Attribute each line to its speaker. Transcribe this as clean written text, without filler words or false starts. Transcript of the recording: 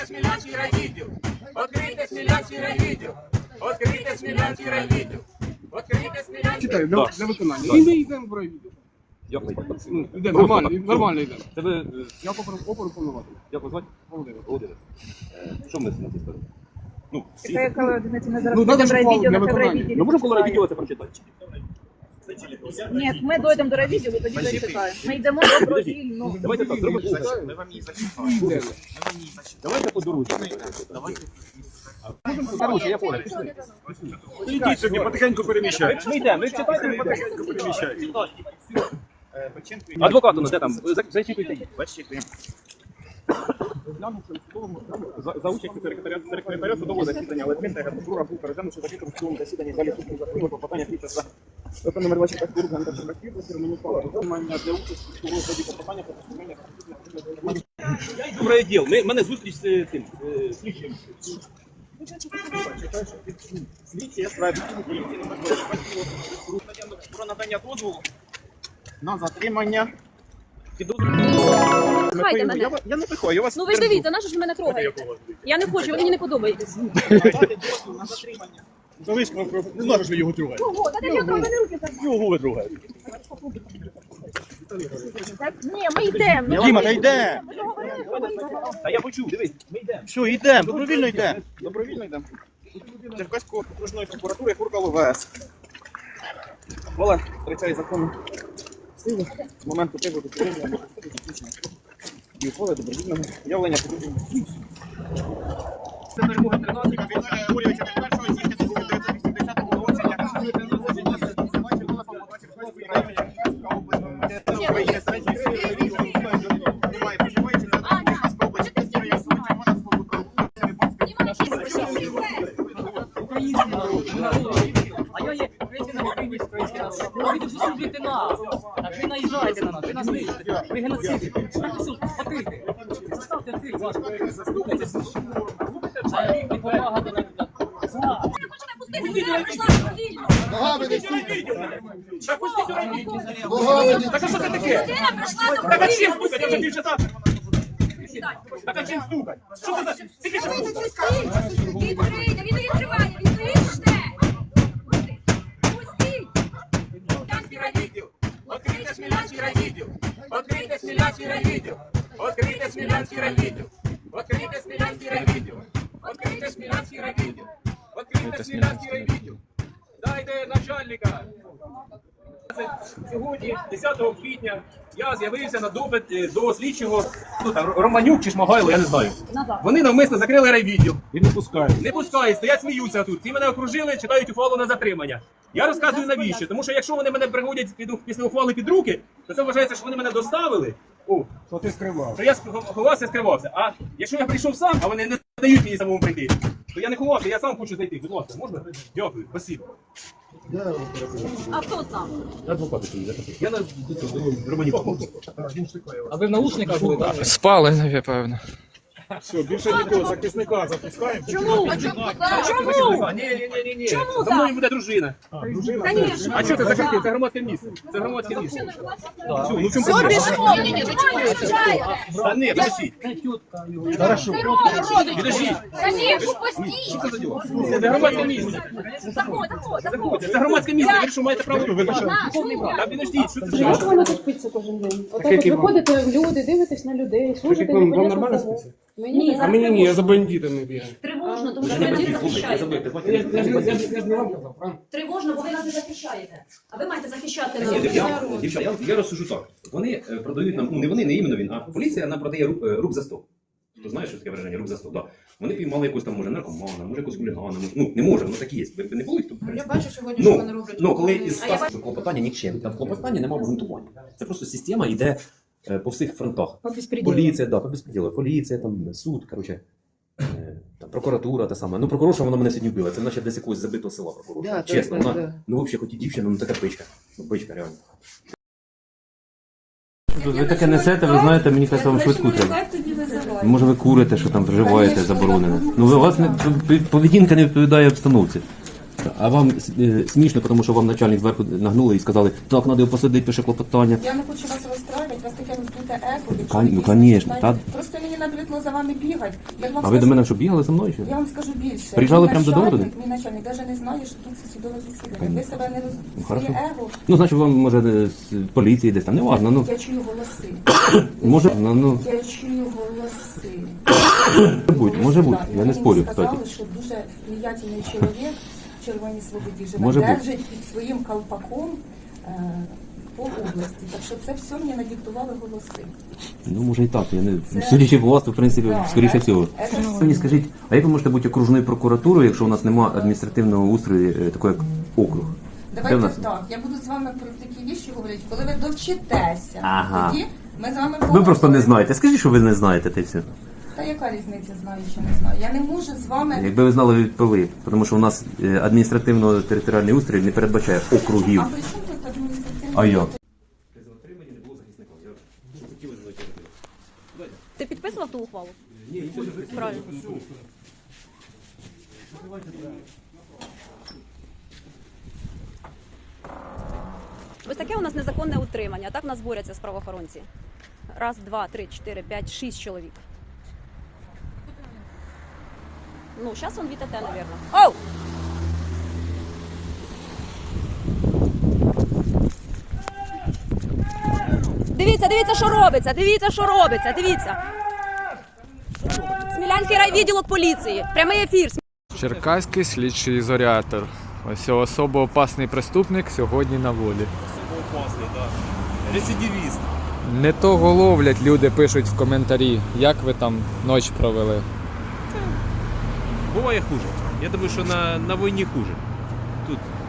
Speaker 1: Смілянський райвідділ! Відкрийте Смілянський райвідділ! Відкрийте Смілянський райвідділ! Відкрийте Смілянський...
Speaker 2: Читаю, для виконання. І ми йдемо в райвідділ.
Speaker 3: Як ви йдете?
Speaker 2: Ну, йдемо, нормально йдемо.
Speaker 3: Це ви...
Speaker 2: Я опору повноважив.
Speaker 3: Як ви звати? Володимир. Що ми на цій стороні? Ну, всі...
Speaker 4: Коли одиниці не зараз
Speaker 2: Ну, надо ж
Speaker 4: райвідділ,
Speaker 2: для
Speaker 4: на
Speaker 2: виконання.
Speaker 4: райвідділ.
Speaker 3: Ми можемо коло райвідділа це прочитати?
Speaker 4: Ні, ми дійдемо до райвідділу, тоді зачитаємо. Ми йдемо добровільно.
Speaker 3: Давайте так, зробимо.
Speaker 2: Ми вам її зачитаємо.
Speaker 3: Давайте по дорозі. Короче, я понял.
Speaker 5: Ідіть собі, потихеньку переміщайте.
Speaker 3: Ми йдемо, ви читайте, ми
Speaker 5: Потихеньку переміщайте.
Speaker 3: адвокат у нас, де там? Зачитуйте їх.
Speaker 5: За участю секретаря судового засідання Литвинського прокурора був переглянувши закритим судовому засіданні залі суду закону про попадання слідчого ПП номер 24 Курга Антарчука Романі Павла. Виконання для участі в розгляді попадання про поступлення
Speaker 3: Добрий відділ. Мене зустріч з тим, слідчим.
Speaker 5: слідчі справді про надання дозволу на затримання
Speaker 4: Пихайте мене.
Speaker 5: Я не пихаю, я вас
Speaker 4: Ну ви ж дивіться, на що ж ви мене трогаєте? Я не хочу, ви мені не подобаєтесь.
Speaker 5: надати дозвіл на затримання. Не знаєш, що його тругають.
Speaker 4: Ого, та я про мене руки забрали.
Speaker 5: Його ви тругаєте.
Speaker 4: Ні, ми йдемо.
Speaker 5: Діма, та йде.
Speaker 3: Та я почув, дивись, ми йдемо.
Speaker 5: Все, йдемо, добровільно йдемо. Добровільно йдемо. Черкаської окружної прокуратури Куркал ВС. Оля втрачає законну силу з моменту приводу порушення або заключення і ухвали добровільного явлення порушення. Це перемога 13 Віталія Григорьовича від 1 січня 1980 року
Speaker 6: А я є український народ. Ви тут слухайте нас. Так ви наїжджаєте на нас, ви нас нищите. Ви геноциди. Відкрийте. Заставте відкрити. Слухайте. Це допомага до нас.
Speaker 1: Ногами не стукайте! Так а що це таке? Так а чим стукать? Я вже півчаса. Так а чим стукать? Що це за...
Speaker 7: Відкрийте, він не відкриває, відкрийте! Пустіть!
Speaker 1: Смілянський райвідділ! Відкрийте Смілянський райвідділ! Відкрийте Смілянський райвідділ! Відкрийте Смілянський райвідділ! Відкрийте Смілянський райвідділ! Відкрийте Смілянський райвідділ! Відкрийте Смілянський райвідділ! Дайте начальника! Сьогодні, 10 квітня, я з'явився на допит до слідчого, ну, там, Романюк чи Шмагайло, я не знаю. Вони навмисно закрили райвідділ.
Speaker 5: І не пускають.
Speaker 1: Не пускають, стоять, сміються тут. Ці мене окружили, читають ухвалу на затримання. Я розказую навіщо, тому що якщо вони мене приводять після ухвали під руки, то це вважається, що вони мене доставили. О,
Speaker 2: Що ти скривав?
Speaker 1: що я ховався, скривався. А якщо я прийшов сам, а вони не дають мені самому прийти, то я не ховався, я сам хочу зайти. Будь ласка, можна? Дякую, спасибо.
Speaker 4: А хто там?
Speaker 1: Я на Романюк.
Speaker 6: А ви в наушниках були, так?
Speaker 8: Спали, напевно.
Speaker 5: Все, більше нікого, захисника запускаємо.
Speaker 4: Чому? Чому?
Speaker 1: Ні.
Speaker 4: Чому
Speaker 1: За мною
Speaker 4: так?
Speaker 1: буде дружина.
Speaker 4: Звісно.
Speaker 1: А що це закрити? Це громадське місце. Це громадське місце. Все, ну чому
Speaker 4: Все,
Speaker 1: проблема?
Speaker 4: біжимо. Ні, чому не виїжджаєте?
Speaker 1: Та ні, подождіть.
Speaker 4: Хорошо.
Speaker 1: Підождіть.
Speaker 7: Конечно, пустіть!
Speaker 1: Що це за діло? Це громадське місце.
Speaker 4: Заходь.
Speaker 1: Це громадське місце. Ви що маєте право? Та підождіть, що це за
Speaker 9: Як
Speaker 1: діло?
Speaker 9: воно тут спиться кожен день? Отак от виходите в люди, дивитесь на людей, служите
Speaker 2: Вам
Speaker 9: непонятно
Speaker 2: нормально
Speaker 9: кого.
Speaker 2: спиться?
Speaker 9: Мені
Speaker 2: А мені ні, я за бандитами бігаю.
Speaker 4: Тривожно, тому що ви нас не захищаєте.
Speaker 2: Я ж не вам казав, правильно?
Speaker 4: Тривожно, бо ви нас не захищаєте. А ви маєте захищати
Speaker 3: Дівчата, я розсужу так. Вони продають нам, ну не вони, не іменно він, а поліція нам продає рук за 100. Ти знаєш, що таке враження, рук за 100, да. Вони піймали якусь там, може, наркомана, може якусь хулігана, ну не може, ну такі є. Ви не були?
Speaker 9: Я бачу сьогодні, що вони роблять.
Speaker 3: Ну, коли із 100...
Speaker 10: Клопотання нікчемне. Та в клопотанні немає обґрунтування. Це просто система йде по всіх фронтах.
Speaker 9: По безпреділу.
Speaker 10: Поліція, да, по безпреділу. Поліція, там, суд, коротше, там, прокуратура та сама. Ну, прокурорша вона мене сьогодні вбила. Це наче десь якогось забитого села прокурорша.
Speaker 9: Да,
Speaker 10: Чесно,
Speaker 9: точно,
Speaker 10: вона,
Speaker 9: да.
Speaker 10: ну, взагалі, хоч і дівчина, ну така пичка. Ну, пичка, реально. Ви таке несете, ви знаєте, мені кажуть, вам швидку треба. Може ви курите, що там вживаєте, заборонене. Ну, у вас поведінка не відповідає обстановці. А вам смішно, тому що вам начальник зверху нагнули і сказали, так, треба його посадити, пише клопотання.
Speaker 8: Я не хочу вас розстраювати, вас таке роздуте еко. якщо
Speaker 10: Ну,
Speaker 8: ви дійсно
Speaker 10: конечно,
Speaker 8: знаєте.
Speaker 10: та-
Speaker 8: Просто мені набридло за вами бігати. Я вам
Speaker 10: А ви до
Speaker 8: скажу-
Speaker 10: мене що, бігали за мною? Чи?
Speaker 8: Я вам скажу більше.
Speaker 10: Приїжджали
Speaker 8: Мій
Speaker 10: прямо додому
Speaker 8: начальник-
Speaker 10: туди?
Speaker 8: Мій начальник навіть не знає, що тут це судове засідання.
Speaker 10: Конечно.
Speaker 8: Ви себе не роз...
Speaker 10: Ну,
Speaker 8: своє
Speaker 10: хорошо.
Speaker 8: его.
Speaker 10: Ну, значить, вам, може, з поліції десь там, не важно, ну.
Speaker 8: Я чую голоси.
Speaker 10: Може, ну,
Speaker 8: Я чую голоси.
Speaker 10: може бути, я не
Speaker 8: Мені
Speaker 10: спорю,
Speaker 8: сказали,
Speaker 10: кстати.
Speaker 8: що дуже влиятельний чоловік в Червоній Свободі живе,
Speaker 10: Може бути.
Speaker 8: держить під своїм колпаком по області. Так що це все мені надиктували голоси.
Speaker 10: Ну, може і так, я не... Судячи по вас, то, в принципі,
Speaker 8: Да,
Speaker 10: скоріше
Speaker 8: да.
Speaker 10: всього.
Speaker 8: Це
Speaker 10: Ви мені скажіть, а як ви можете бути окружною прокуратурою, якщо у нас немає адміністративного устрою, такого як округ? Де в
Speaker 8: Давайте
Speaker 10: нас?
Speaker 8: так, я буду з вами про такі віші говорити, коли ви довчитеся.
Speaker 10: Ага.
Speaker 8: Тоді ми з вами
Speaker 10: Ви
Speaker 8: поговоримо.
Speaker 10: просто не знаєте. Скажіть, що ви не знаєте, та й все.
Speaker 8: Та яка різниця, знаю чи не знаю. Я не можу з вами.
Speaker 10: Якби ви знали, ви відповіли. Тому що у нас адміністративно-територіальний устрій не передбачає округів.
Speaker 8: А при чому тут адміністративний?
Speaker 10: А як?
Speaker 4: Ти підписував ту ухвалу? Ні, правильно. Ось таке у нас незаконне утримання. Так в нас борються з правоохоронці. Раз, два, три, чотири, п'ять, 6 чоловік. Ну, зараз он від АТ, наверное. Оу! Дивіться, дивіться, що робиться, дивіться, що робиться, дивіться. Смілянський райвідділок поліції. Прямий ефір.
Speaker 11: Черкаський слідчий ізолятор. Ось особо опасний преступник сьогодні на волі.
Speaker 1: Опасний, так. Рецидивіст.
Speaker 11: Не того ловлять, люди пишуть в коментарі, як ви там ніч провели.
Speaker 1: Буває хуже. Я думаю, що на війні хуже. Тут